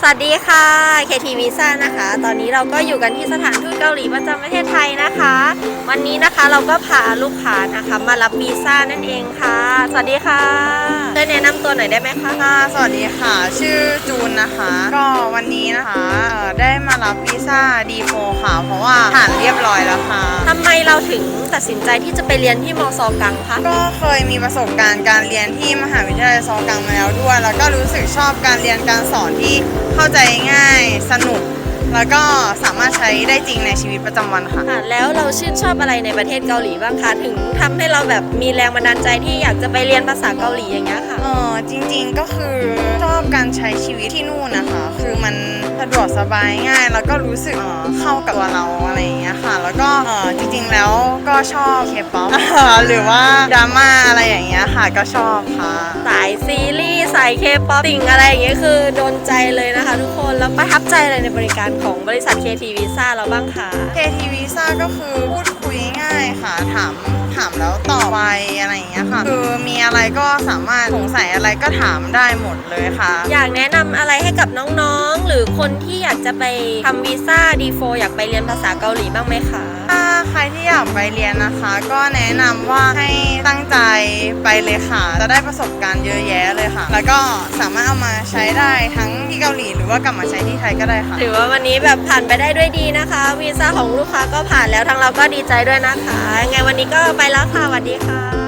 วัสดีค่ะ KT Visa นะคะ ตอนนี้เราก็อยู่กันที่สถานทูตเกาหลีประจำประเทศไทยนะคะ วันนี้นะคะเราก็พาลูกค้านะคะมารับวีซ่านั่นเองค่ะ สวัสดีค่ะช่วยแนะนำตัวหน่อยได้ไหมคะสวัสดีค่ะชื่อจูนนะคะ ก็วันนี้นะคะได้มารับวีซ่า D4 ค่ะ เพราะว่าผ่านเรียบร้อยแล้วค่ะทำไมเราถึงตัดสินใจที่จะไปเรียนที่มซ.กังคะก็เคยมีประสบการณ์การเรียนที่มหาวิทยาลัยซอกังมาแล้วด้วย แล้วก็รู้สึกชอบการเรียนการสอนที่เข้าใจง่ายสนุก แล้วก็สามารถใช้ได้จริงในชีวิตประจำวันค่ะแล้วเราชื่นชอบอะไรในประเทศเกาหลีบ้างคะถึงทำให้เราแบบมีแรงบันดาลใจที่อยากจะไปเรียนภาษาเกาหลีอย่างเงี้ยค่ะจริงๆก็คือชอบการใช้ชีวิตที่นู่นนะคะ คือมันสะดวกสบายง่าย แล้วก็รู้สึกเข้ากับตัวเราอะไรอย่างเงี้ยค่ะ แล้วก็จริงๆแล้วก็ชอบเคป๊อป หรือว่าดราม่าอะไรอย่างเงี้ยค่ะก็ชอบค่ะสายซีรีส์สายเคป๊อปสิ่งอะไรอย่างเงี้ยคือโดนใจเลยนะคะทุกคนแล้วประทับใจอะไรในบริการของบริษัท KT Visa เราบ้างคะ KT Visa ก็คือพูดคุยง่ายค่ะ ถามแล้วตอบไปอะไรอย่างเงี้ยค่ะ คือมีอะไรก็สามารถสงสัยอะไรก็ถามได้หมดเลยค่ะอยากแนะนำอะไรให้กับน้องๆ หรือคนที่อยากจะไปทำวีซ่า D4 อยากไปเรียนภาษาเกาหลีบ้างไหมคะถ้าใครที่อยากไปเรียนนะคะ ก็แนะนำว่าให้ตั้งใจไปเลยค่ะ จะได้ประสบการณ์เยอะแยะเลยค่ะ แล้วก็สามารถเอามาใช้ได้ทั้งที่เกาหลีหรือว่ากลับมาใช้ที่ไทยก็ได้ค่ะถือว่าวันนี้แบบผ่านไปได้ด้วยดีนะคะวีซ่าของลูกค้าก็ผ่านแล้วทางเราก็ดีใจด้วยนะคะไงวันนี้ก็ไปแล้วค่ะสวัสดีค่ะ